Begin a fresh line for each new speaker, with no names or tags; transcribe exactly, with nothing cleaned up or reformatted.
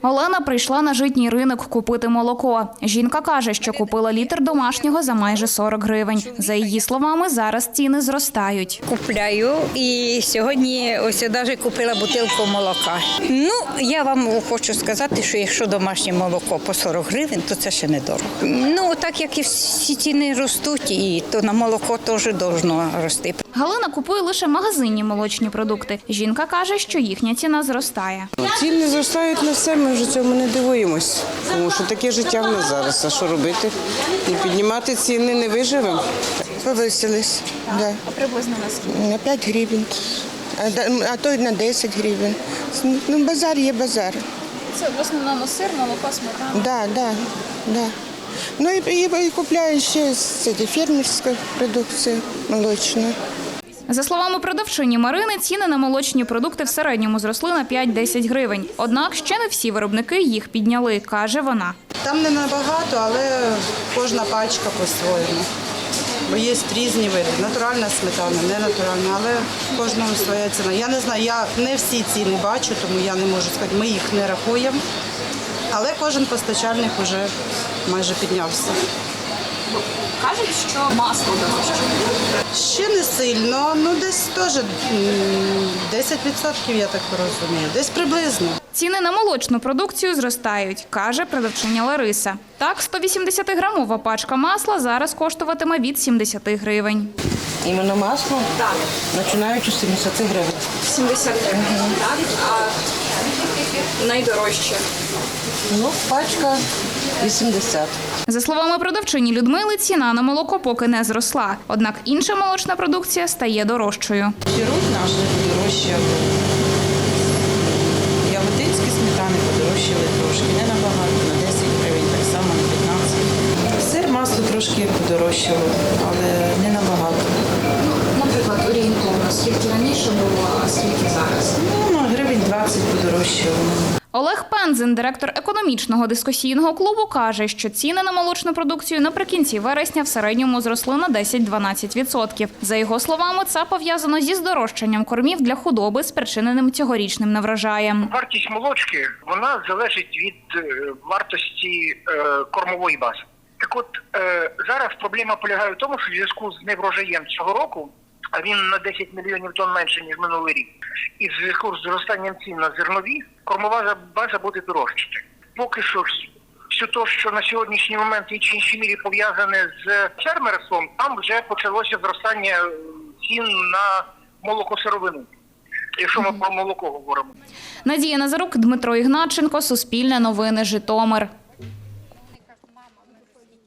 Олена прийшла на житній ринок купити молоко. Жінка каже, що купила літр домашнього за майже сорок гривень. За її словами, зараз ціни зростають.
Купляю і сьогодні ось навіть купила бутилку молока. Ну, я вам хочу сказати, що якщо домашнє молоко по сорок гривень, то це ще недорого. Ну, так як і всі ціни ростуть, і то на молоко теж повинно рости.
Галина купує лише магазинні молочні продукти. Жінка каже, що їхня ціна зростає.
Ціни зростають на все, ми вже цьому не дивуємось, тому що таке життя в нас зараз. А що робити? Не піднімати ціни не виживемо.
Повисились, да.
А приблизно на скільки?
На п'ять гривень, а, да- а то й на десять гривень. Ну, базар є базар.
Це в основному сир, молоко, сметана.
Да, да, да. Ну і, і, і купляю ще це, фермерська продукція молочна.
За словами продавчині Марини, ціни на молочні продукти в середньому зросли на п'ять-десять гривень. Однак ще не всі виробники їх підняли, каже вона.
Там не набагато, але кожна пачка по-своєму. Бо є різні види. Натуральна сметана, не натуральна, але кожному своя ціна. Я не знаю, я не всі ціни бачу, тому я не можу сказати, ми їх не рахуємо. Але кожен постачальник вже майже піднявся.
Кажуть, що масло дорожче.
Ще не сильно, ну десь теж м, десять відсотків, я так розумію, десь приблизно.
Ціни на молочну продукцію зростають, каже продавчиня Лариса. Так, сто вісімдесятиграмова пачка масла зараз коштуватиме від сімдесяти гривень.
Іменно масло? Так. Починаючи з сімдесят гривень.
сімдесят гривень, так? А найдорожче?
Ну, пачка вісімдесят.
За словами продавчині Людмили, ціна на молоко поки не зросла. Однак інша молочна продукція стає дорожчою.
Сироп наш подорожчав. Яготинські сметани подорожчали трошки, не набагато, на десять гривень, так само на п'ятнадцять. Сир, масло трошки подорожчало, але не набагато.
Наприклад, орієнтовно, скільки раніше було, а скільки зараз?
Ну, на гривень двадцять подорожчало.
Олег Пензин, директор економічного дискусійного клубу, каже, що ціни на молочну продукцію наприкінці вересня в середньому зросли на десять-дванадцять відсотків. За його словами, це пов'язано зі здорожчанням кормів для худоби, спричиненим цьогорічним неврожаєм.
Вартість молочки, вона залежить від е, вартості е, кормової бази. Так от, е, зараз проблема полягає в тому, що в зв'язку з неврожаєм цього року, а він на десять мільйонів тонн менше, ніж минулий рік, і в зв'язку з зростанням цін на зернові, кормова база буде дорожчати. Поки що ж, все те, що на сьогоднішній момент в іншій мірі пов'язане з фермерством, там вже почалося зростання цін на молокосировину, якщо ми про молоко говоримо.
Надія Назарук, Дмитро Ігнатченко, Суспільне новини, Житомир.